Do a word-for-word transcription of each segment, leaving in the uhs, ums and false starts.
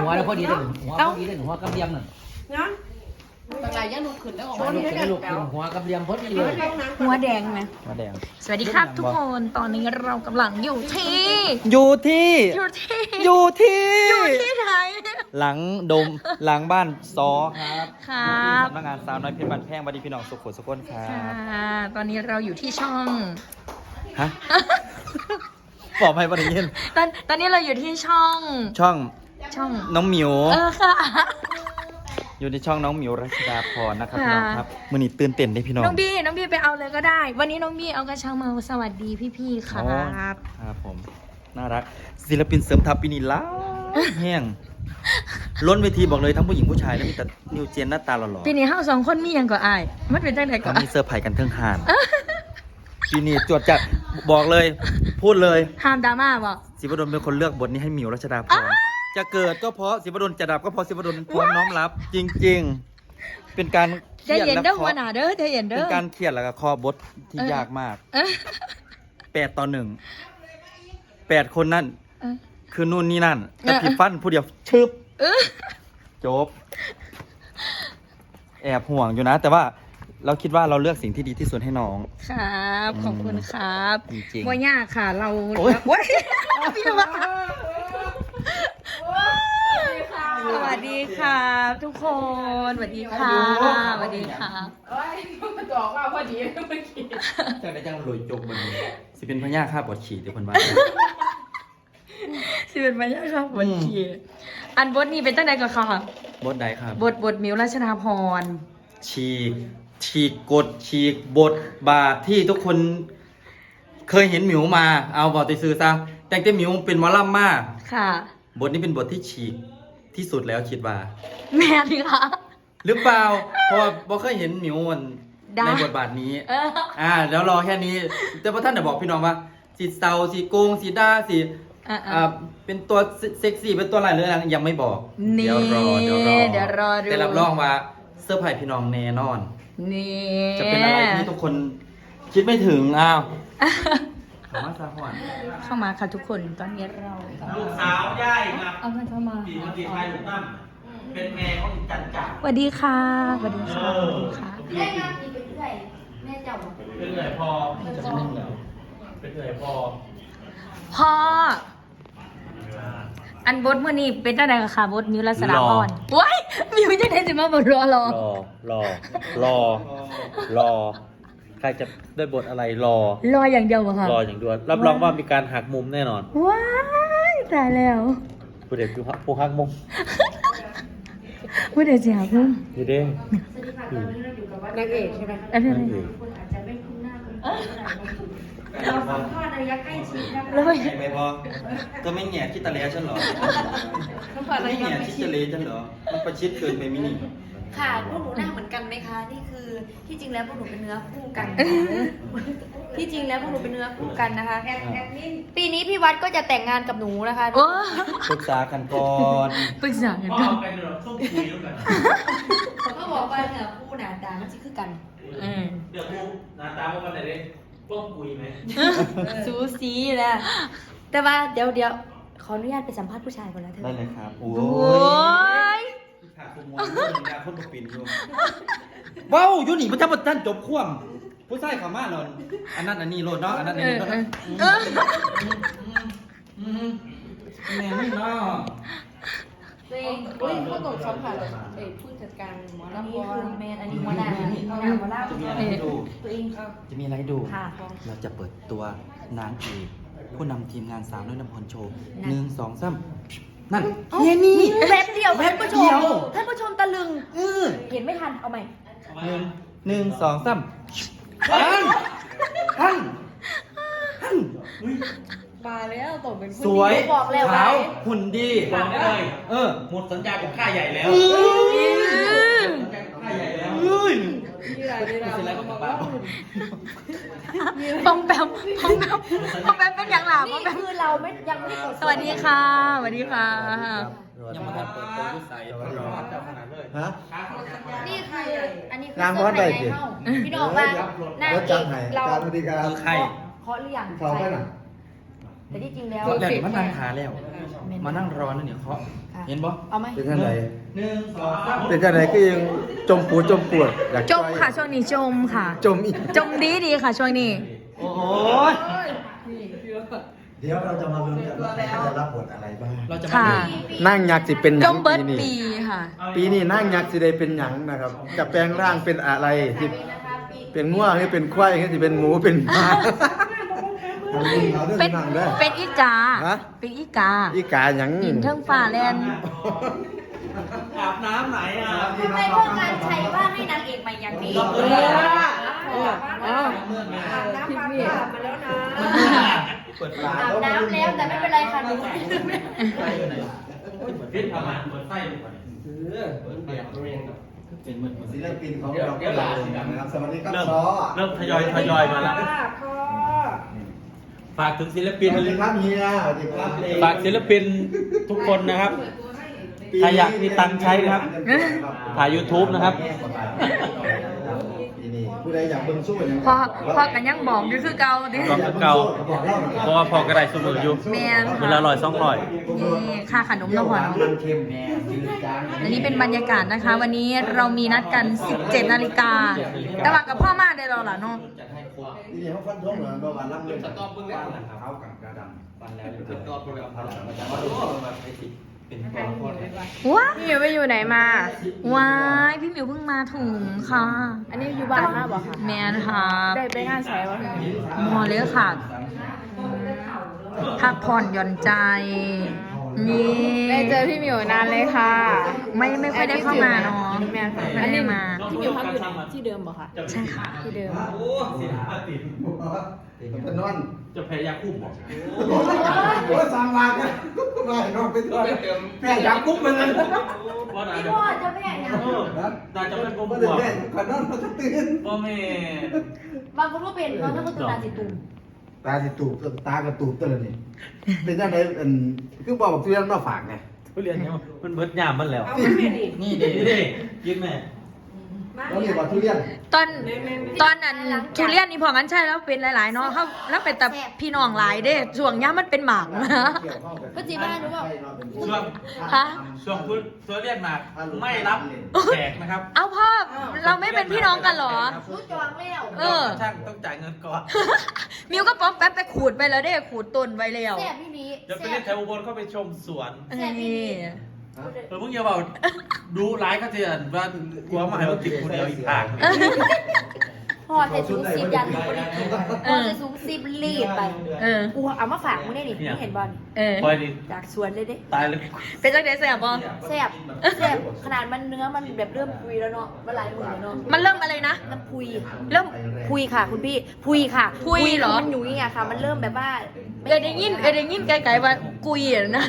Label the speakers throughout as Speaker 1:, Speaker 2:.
Speaker 1: หัวแล้วพอดีเลยหัวพอดีเลยหัวกำเลียมน่ะ
Speaker 2: นะ
Speaker 3: บางรายยังลุกขึ้นแล้วออก
Speaker 1: หัว
Speaker 3: มา
Speaker 1: ลูกเป็นลูกหัวกำเลียมพอดีเลย
Speaker 2: หัวแดงไหม
Speaker 1: หัวแดง
Speaker 4: สวัสดีครับทุกคนตอนนี้เรากำลังอยู่ที่
Speaker 5: อยู่ที่
Speaker 4: อยู่ที่
Speaker 5: อยู่ที่
Speaker 4: อยู่ที่ไหน
Speaker 5: หลังดมหลังบ้านซอครับ
Speaker 4: ครับ
Speaker 5: สำนักงานสาวน้อยเพชรบ้านแพงบัดดีพี่น้องสุขุมสุขนครั
Speaker 4: ค่ะ
Speaker 5: บ
Speaker 4: ตอนนี้เราอยู่ที่ช่อง
Speaker 5: ฮะบอกให้บัดนี้
Speaker 4: ตอนตอนนี้เราอยู่ที่ช่อง
Speaker 5: ช่อง
Speaker 4: ช่อง
Speaker 5: น้องหมิว
Speaker 4: เออค่ะ
Speaker 5: อยู่ในช่องน้องหมิวรัชดาพรนะครับ
Speaker 4: ค่ะ
Speaker 5: พี่น้องครับมื้อนี้ตื่นเต้นได้พี่น้อง
Speaker 4: น้องบี้น้องบี้ไปเอาเลยก็ได้ วันนี้น้องบี้เอากระชังมาสวัสดีพี่ๆครั
Speaker 5: อ๋อบ ครับผมน่ารักศิลปินเสริมทัพปีนี้ล้าแห้งล้นเวทีบอกเลยทั้งผู้หญิงผู้ชายแล้วมีแต่นิวเจนหน้าตาหล่อๆ
Speaker 4: ปีนี้เฮาสองคนมีหยังก็อายมันเป็นจังไดก็
Speaker 5: ก็
Speaker 4: อา
Speaker 5: มี
Speaker 4: ย
Speaker 5: เซอร์ไพรส์กันเทิงหานปีนี้จวดจัดบอกเลย พูดเลย
Speaker 4: ห้ามดราม่าบ่
Speaker 5: ศิวดลเป็นคนเลือกบทนี้ให้หมิวรัชดาพรจะเกิดก็เพราะศิวดลจะดับก็เพราะศิวดลพร้อมน้อมรับ จริง ๆ เป็นการเค
Speaker 4: ใจ
Speaker 5: รียด
Speaker 4: เย็น
Speaker 5: และ
Speaker 4: เด้อ
Speaker 5: เค
Speaker 4: หัว
Speaker 5: าะ
Speaker 4: หน้าเด้อใจเย็นเด้
Speaker 5: เป็
Speaker 4: อน
Speaker 5: การเครียดแล้วก็คอบทที่
Speaker 4: เออ
Speaker 5: ยากมาก
Speaker 4: เออ
Speaker 5: แปดต่อหนึ่งแปดคนนั่น
Speaker 4: เออ
Speaker 5: คือนู่นนี่นั่น
Speaker 4: เออ
Speaker 5: แต่ผิดฟันผู้เดียวชึบ
Speaker 4: เออ
Speaker 5: จบ แอบห่วงอยู่นะ แต่ว่าเราคิดว่าเราเลือกสิ่งที่ดีที่สุดให้น้อง
Speaker 4: ครับขอบคุณครับ
Speaker 5: จริงๆ
Speaker 4: บ่ยากค่ะเรา
Speaker 5: โอ๊ย
Speaker 4: โอ๊ยพี่ว่าสวัสดีครับทุกคนสวัสดีค่ะสวัสดีค่ะ
Speaker 3: เอ้ยมันจะออกมาพอดีเมื่อกี้
Speaker 5: จังได้จังรวยจกมันสิเป็นพญาค่าบอดฉีดเดี๋ยวคนว่า
Speaker 4: สิเป็นมายังครับบททีอันบทนี้เป็นตั้งแต่ก่อนค่ะ
Speaker 5: บทใดครับ
Speaker 4: บทบทมิวราชนาพร
Speaker 5: ฉีกฉีกกฎฉีกบทบาทที่ทุกคนเคยเห็นหมิวมา เอาบอกติซื้อซะแต่งแต่หมิวเป็นหมอลำมา
Speaker 4: ค่ะ
Speaker 5: บทนี้เป็นบทที่ฉีกที่สุดแล้วคิดว่า
Speaker 4: แม่นี่ค่ะ
Speaker 5: หรือเปล่าเพราะว่าบ่เคยเห็นหมิวมัน
Speaker 4: ได้
Speaker 5: ในบทบาทนี้
Speaker 4: เออ
Speaker 5: อ่าแล้วรอแค่นี้ แต่พอท่านจะบอกพี่น้องว่าสีเศร้าสีโกงสีด้าสี
Speaker 4: อ่ะ
Speaker 5: อ่าเป็นตัวเซ็กซี่เป็นตัวอะไรหรืออะไรยังไม่บอก
Speaker 4: นี่
Speaker 5: เดี๋ยวรอเดี๋ยวรอ
Speaker 4: เดี๋ยวรอดู
Speaker 5: แต่รับรองว่าเซอร์ไพรส์พี่น้องแน่นอน
Speaker 4: นี่
Speaker 5: จะเป็นอะไรที่ทุกคนคิดไม่ถึงอ้าวถามว่าซาฮอน
Speaker 4: เข้ามาค่ะทุกคนตอนนี้เรา
Speaker 6: ลูกสาวย่ายครับ
Speaker 4: เอาเงินเข้ามา
Speaker 6: ปีมันปีไทยถูกตั้มเป็นแม่ของจันจ่า
Speaker 4: สวัสดีค่ะสวัสดีค่ะสวัสดีค่ะ
Speaker 3: ได้งานดีไปเรื่อยแม่เจ้า
Speaker 6: เป็นเอื่อยพอจะไม่เหนียวเป็นเอื่อยพอ
Speaker 4: พ่ออันบทเมื่อนี้เป็นตั้งแต่ค่ะบทมิวรัศดาพรว้ายมิวจะได้สิมาบทรอรอ
Speaker 5: รอรอรอรอใครจะได้บทอะไรรอ
Speaker 4: รออย่างเดียวเหรอคะ
Speaker 6: รออย่างเดียวรับรองว่ามีการหักมุมแน่นอน
Speaker 4: ว้ายตายแล้ว
Speaker 6: ผู้เด็กผู้หักมุม
Speaker 4: พูดเดี๋ยวจะหาพุ่ม
Speaker 6: ดีเด้
Speaker 3: นางเอกใช่ไหม
Speaker 4: อันนี้อะไร
Speaker 3: เราสัมภาษณ์ระยะใกล้ชิดนะคะ
Speaker 4: แล้วไป
Speaker 5: ไม่พอก็ไม่แง่คิดตะเลฉันเหรอ
Speaker 3: สัมภาษณ์ระ
Speaker 5: ไม่
Speaker 3: ยะ
Speaker 5: แง่
Speaker 3: ใกล้
Speaker 5: คิด
Speaker 3: ชิด
Speaker 5: ตะเลฉันเหรอมันประชิดเกินไปมินิ
Speaker 7: ค่ะพวกหนูหน้าเหมือนกันไหมคะ นี่คือที่จริงแล้วพวกหนูเป็นเนื้อคู่กัน ที่จริงแล้วพวกหนูเป็นเนื้อคู่กันนะคะปีนี้พี่วัดก็จะแต่งงานกับหนูนะคะ
Speaker 4: โอ้
Speaker 5: ปรึกษากันก่อน
Speaker 4: ปรึกษากัน
Speaker 6: พ่อ
Speaker 4: ก่อน
Speaker 6: เป็นหรอส้มคุยด้วยกัน
Speaker 7: เขาก็บอกว่าเนื้อคู่หนาตามันจะคือกัน
Speaker 4: เออ
Speaker 6: เดี๋ยวกูหน้าตาพวกมันไหนดิป้องคุยไหม
Speaker 7: สูสีนะแต่ว่าเดี๋ยวเดี๋ยวขออนุญาตไปสัมภาษณ์ผู้ชายก่อนนะเธอ
Speaker 5: ได้เลยครับโอ้
Speaker 4: โอ้ย
Speaker 5: ขาดขโมยเรื่องยาคนบปินอยู่ว้าวยูนี่มันจะมาท่านจบข่วมผู้ชายขามาเนาะอันนั้นอันนี้โลดเนาะอันนั้นอันนี้เนาะ
Speaker 4: เออ
Speaker 5: อืมแม่ไม่เนาะ
Speaker 3: ตัวเองเฮ้ยเขาตกสัมผัสเอ้ยผู้จัดการหมอ
Speaker 7: อัน
Speaker 3: ลำ
Speaker 7: นี้
Speaker 3: บอ
Speaker 7: คื
Speaker 3: ล
Speaker 7: อแมนอันนี้หัวหน้าอันนี้หัวหน้าหัวหน้า
Speaker 5: จะมีอะไรให้ดู
Speaker 7: ตัวเอง
Speaker 5: จะมีอะไรให้ดู
Speaker 7: ค่ะ
Speaker 5: เราจะเปิดตัวนางเอกผู้นำทีมงานสาวน้อยน้ำพรโชว์หนึ่งสองสามนั่นเนี่ยนี่
Speaker 7: แวบเดียวท่านผู้ช
Speaker 5: แวบเดี
Speaker 7: ม
Speaker 5: ยว
Speaker 7: ท่านผู้ชมตะลึง
Speaker 5: เออ
Speaker 7: เห็นไม่ทันเอาใหม่
Speaker 5: หนึ่งหนึ่งสองสามฮันฮันฮัน
Speaker 3: มาแล้วตกเป็นผู้
Speaker 5: สวย
Speaker 7: บอกแล้ว
Speaker 5: ขาว
Speaker 7: ไว้
Speaker 5: หุ่นดี
Speaker 6: บอกได้เลย
Speaker 5: เออ
Speaker 6: หมดสัญญากับค่าใหญ่แล้ว ค่าใหญ่แล้ว
Speaker 5: เฮ้ย
Speaker 3: มีอะไรในเราบอกว่าหุ่น
Speaker 4: ปองแปมปองแปมปองแปมเป็นอย่างหล่ะปอง
Speaker 7: นี่
Speaker 4: แปม
Speaker 7: คือเราไม่ยังไม่ได้กด
Speaker 4: สวัสดีค่ะสวัสดีค่ะ
Speaker 5: ยังมาทันเปิดตัวยุสัยรอเจ้าขนาดเลย
Speaker 8: ฮะ
Speaker 7: นี่คืออันนี้คือ
Speaker 8: น้ำร้อนได้สิ
Speaker 7: พี่น้องว่านาง
Speaker 8: รถ
Speaker 7: เอ
Speaker 8: จัง
Speaker 7: ก
Speaker 8: ไหน
Speaker 7: เรา
Speaker 8: การบริการ
Speaker 5: คือใคร
Speaker 7: เคาะหรือยัง
Speaker 8: เขาไปหน่อย
Speaker 7: เแต่ที่จริงแล้ว
Speaker 5: แล้วนี่มานั่งหาแล้ว มานั่งรอนั่นเนี่ยเคาะเห็นบ่
Speaker 7: เอาไหม
Speaker 2: เป็นจังได
Speaker 5: หนึ่งสองสาม
Speaker 2: เป็นจังไดก็ยังจมปูจมปวดอยาก
Speaker 4: จมค่ะช่วงนี้จมค่ะ
Speaker 2: จมอีก
Speaker 4: จมดีดีค่ะช่วงนี้
Speaker 5: โอ้ย
Speaker 2: เดี๋ยวเราจะมาลุ้นกันว่าเขาจะรับบทอะไรบ้าง
Speaker 5: เราจะ
Speaker 4: ค่ะ
Speaker 2: นั่งยักษ์สิเป็นห
Speaker 4: จ
Speaker 2: ยัง
Speaker 4: มเบิร์ด
Speaker 2: ปีนี้
Speaker 4: ปีค่ะ
Speaker 2: ปีนี้นั่งยักษ์สิได้เป็นหยังนะครับ จะแปลงร่างเป็นอะไรที่เป็นง่วงหรือเป็นควายหรือสิเป็นหมูเป็นหมา
Speaker 4: เป็นเป็นอีกา
Speaker 2: ฮะ
Speaker 4: เป็นอีกา
Speaker 2: อีกาหยัง
Speaker 4: หินเทิงฟ้าแลน
Speaker 5: อาบน้ำไหนอ่ะ
Speaker 7: ทำไมพ่อการใช้ว่าให้นางเอกมาอย่างนี้
Speaker 3: เออเออพี่มี
Speaker 5: เปิดฝา
Speaker 7: อาบน้ำแล้วแต่ไม่เป็นไรค่ะหนู
Speaker 6: พิษทำงานเปิดไฟดูก่อน
Speaker 5: เป็นมืด
Speaker 2: ศิลปินของเราก็เลยนะครับสวัสดีครับ
Speaker 6: เริ่ม
Speaker 2: ซอ
Speaker 6: เริ่มทยอยทยอยมาแล้ว ฝากถึงศิลปิน
Speaker 2: สวัสดีครับเฮียสวัสดีครับ
Speaker 6: ฝากศิลปินทุกคนนะครับ ใครอยากมีตังค์ใช้นะครับถ่าย YouTube นะครับ
Speaker 2: ปีนี้ผู้ใดอยากเบิ่งสู้อย่าง
Speaker 4: พอพอกันยังบอกอยู่คือเก่าดิ
Speaker 6: ก็คือเก่า เพราะว่าพอกระไดสมืออยู่
Speaker 4: แม่น
Speaker 6: เวลาลอยสองลอย
Speaker 4: นี่ค่าขนมนมหวาน
Speaker 2: มันเค็มแม่ยืดจาง
Speaker 4: อันนี้เป็นบรรยากาศนะคะ วันนี้เรามีนัดกัน สิบเจ็ดนาฬิกาแต่ว่ากับพ่อมาได้รอล่ะเนาะ
Speaker 2: ทีนี้เขาฟันธงเหรอบอกว่ารับเงินสต๊อปเบิ่งแล้วเขากับกระดำ
Speaker 5: ปันแล้วเป็นตัวโปรแกรมพลังมาจากว่ารู้ว่าไอ้สิเป็นตัวละคร
Speaker 4: ว้า
Speaker 3: พี่มิวไปอยู่ไหนมา
Speaker 4: ว้ายพี่หมิวเพิ่งมาถึงค่ะ
Speaker 3: อันนี้อยู่บ้านมาบอกค่ะ
Speaker 4: แมนค่ะ
Speaker 3: ได้ไปงานใส่วะ
Speaker 4: หมอเลยค่ะ พักผ่อนหย่อนใจ นี่
Speaker 3: ได้เจอพี่มิวนานเลยค่ะ
Speaker 4: ไม่ไม่ค่อยได้เข้ามาเนาะ
Speaker 3: แม่ค่ะ
Speaker 4: ไม่ได้มา
Speaker 3: พี่มิวพักอยู่ไหนที่เดิมบอกค่ะ
Speaker 4: ใช่ค่ะ
Speaker 3: ที่เดิม
Speaker 6: โอ้เสียอาติ
Speaker 2: เป็นนอน
Speaker 6: จะแพ้ยาคุ้มบอก
Speaker 2: โอ้ยสามล้านเนี่ยไม่นอนไปตัวแม่อยากกุ๊บมันเลย
Speaker 6: ว่าไหน
Speaker 7: พี่พ่อจะแม่เนี่ย
Speaker 6: เออน่าจะเป็นผม
Speaker 2: ไม่
Speaker 6: บ
Speaker 2: ได้
Speaker 6: วก
Speaker 2: แม่ก่อนนอนมันก็ตื่น
Speaker 6: พ่อแม่
Speaker 7: บางคนก็เป็นบางคนก็ตื่นตาสิตุ่ม
Speaker 2: ตาสิตูบตากระตูบตัวนี่เป็นจังไดอันคือบอกทุเรียนมาฝากไง
Speaker 6: ทุเรียนเนี่ยมันเบิดยามมันแล้ว
Speaker 5: นี่เด็
Speaker 6: นี่ดิกินแม่
Speaker 2: แล้วนี่ว่าทุเรียน
Speaker 4: ตอนตอนนั้นทุเรียนนี่พอกันใช่แล้วเป็นหลายๆเนาะเขาแล้วเป็นแต่พี่น้องหลายเด้ช่วงย่ามันเป็นหมากนะ
Speaker 7: ก็จีบ้านรู้ว่า
Speaker 6: ช่วง
Speaker 4: ฮะ
Speaker 6: ช่วงทุทุเรียนมาไม่รับแขกนะครับ
Speaker 4: เอาพ่อเราไม่เป็นพี่น้องกันเหรอ
Speaker 7: รู้จองแล้ว
Speaker 4: เออ
Speaker 6: ช่างต้องจ่ายเงินก่อน
Speaker 4: มิวก็ป๊อปแป๊บไปขูดไปแล้วเด้ขูดต้นไว้แล้ว
Speaker 7: แซ่บพี่นี้
Speaker 6: เดี๋ยวไปเล่นแถวอุบลเข้าไปชมสวน
Speaker 4: นี่
Speaker 6: เออมึงอย่าบอกดูร้ายก็จะว่ากลัวมาให้ว่ากินคนเดียวอีกทาง
Speaker 7: พอแต่สูงสิบยันพอดีพอแต่สูงสิบรีบไป
Speaker 4: เออ
Speaker 7: กูเอามาฝากมึงได้ดิมึงเห็นบอล
Speaker 4: เออ
Speaker 6: คอยดิ
Speaker 7: จากสวนเลยเด้
Speaker 6: ตายเลย
Speaker 4: เป็นจังไดแซ่บบ่
Speaker 7: แซ่บแซ่บขนาดมันเนื้อมันแบบเริ่มพุยแล้วเนาะมันหลายมือแล้วเนาะ
Speaker 4: มันเริ่มอะไรนะ
Speaker 7: มันพุย
Speaker 4: เริ่ม
Speaker 7: พุยค่ะ คุณพี่พุยค่ะ
Speaker 4: พุยเหรอ
Speaker 7: มันหนุ่ยอะค่ะ มันเริ่มแบบว่า
Speaker 4: เออได้ยินเออได้ยินไกลๆว่ากุยอะนะ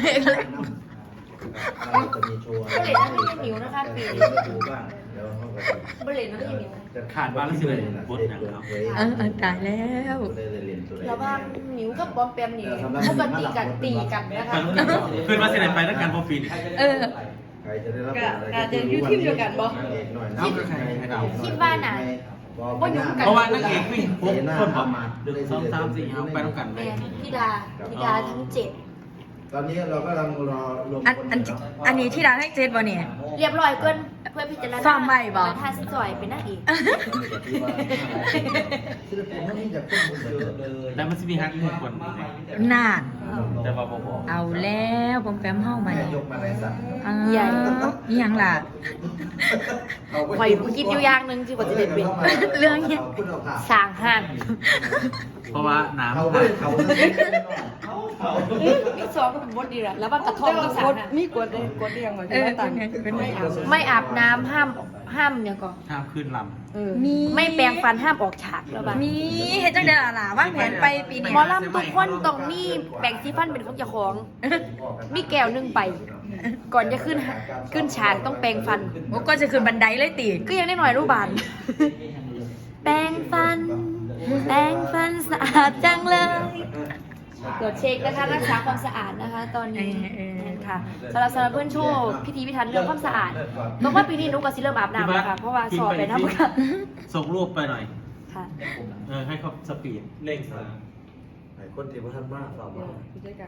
Speaker 2: จะมีโชว์
Speaker 7: บริเลนนั่นไม่ใช่หมิวนะคะปี
Speaker 2: ดูบ้างเดี๋ยวเขาก็
Speaker 7: บริเลนนั่นไม่ใช่หมิว
Speaker 6: ขาดบ้านแล้วสิเลยบดอย่างครับ
Speaker 4: เออเออตายแล้ว
Speaker 7: แล้วว่าหมิวกับบอมแปมนี่ปกติกันตีกันนะคะ
Speaker 6: ขึ้นมาเสนอไปนักการพอฟิน
Speaker 4: เออ
Speaker 2: ใครจะได้รับ
Speaker 3: การจะอยู่ทีมเดียวกันบ่
Speaker 7: คิดว่าน่ะ
Speaker 6: เพราะว่านางเอกวิ่งปุ๊บคนบอกหนึ่งสองสามสี่เอาไปต้องกันไป
Speaker 7: แม่ธิดาธิดาทั้งเจ็ด
Speaker 2: ตอนนี้เราก็กำลังรอรวม
Speaker 4: อันอันอันนี้ที่ร้านให้เจ็ดบ่เนี่ย
Speaker 7: เรียบร้อยเกินเพื่อพิจารณา
Speaker 4: ฟ้าใหม่บ่
Speaker 7: มาทาสจอยเป็นนางเอก
Speaker 2: ศิลปินพวกนี้จะขึ้นเยอะเลย
Speaker 6: แล้วมันจะมีฮักมุกคน
Speaker 4: น่า
Speaker 6: แต่ว่าบอก
Speaker 4: เอาแล้วผมแปมเฮ้ามา
Speaker 2: ยกมาในสัตว์
Speaker 4: อ่าอีหยังล่ะ
Speaker 7: ข่อยคิดอยู่อย่างหนึงที่ว่าจะได้เป็น
Speaker 4: เรื่องเนี้ย
Speaker 2: คุณเอาผ่า
Speaker 7: สร้างห้าง
Speaker 6: เพราะว่าน้ำ
Speaker 2: เขา
Speaker 6: ขาด
Speaker 2: เขา
Speaker 7: มีสองเป็นบดดีละแล้วมันกระทบกับสารน่ะ
Speaker 3: มีกดเลยกดเรียงไว้
Speaker 4: เอ
Speaker 3: ที่
Speaker 4: อ
Speaker 3: ว่า
Speaker 4: เป็
Speaker 3: ตั
Speaker 4: น
Speaker 3: ง
Speaker 4: ไงเป็นไง
Speaker 7: ไม่อาบน้ำห้ามห้ามเนี่ยก่อน
Speaker 6: ห้ามขึ้นล
Speaker 3: เออ
Speaker 4: มี
Speaker 7: ไม่แปรงฟันห้ามออกฉากแล้วบ้าง
Speaker 4: มีเฮ็ดจังได๋ล่ะล่ะวางแผนไปปีนี้
Speaker 7: หมอลำทุกคนต้องมีแปรงสีฟันเป็นของเจ้าของ มีแก้วหนึงไป ก่อนจะขึ้นขึ้นฉากต้องแปรงฟัน
Speaker 4: โอ้ก็จะขึ้นบันไดเลยติ
Speaker 7: ก็ยังได้หน่อยรูปบาน แปรงฟัน แปรงฟันสะอาดจังเลยตรวจเช็คนะคะรักษาความสะอาดนะคะ ตอนนี้ค่ะสำหรับสำหรับเพื่อนโชว์พิธีพิธันเรื่องความสะอาดต้องว่าปีนี้หนุกกับซิเริ่มอาบ
Speaker 6: ำ
Speaker 7: น้ำแล้วค่ะเพราะว่าสอบไปน้ำค่ะ
Speaker 6: ส่งรูปไปหน่อย
Speaker 7: ค่ะ
Speaker 6: เออให้เขาสปีดเร่งสา
Speaker 2: คคนที่บ่ทันมาฝากมา
Speaker 3: ผู้จัดการ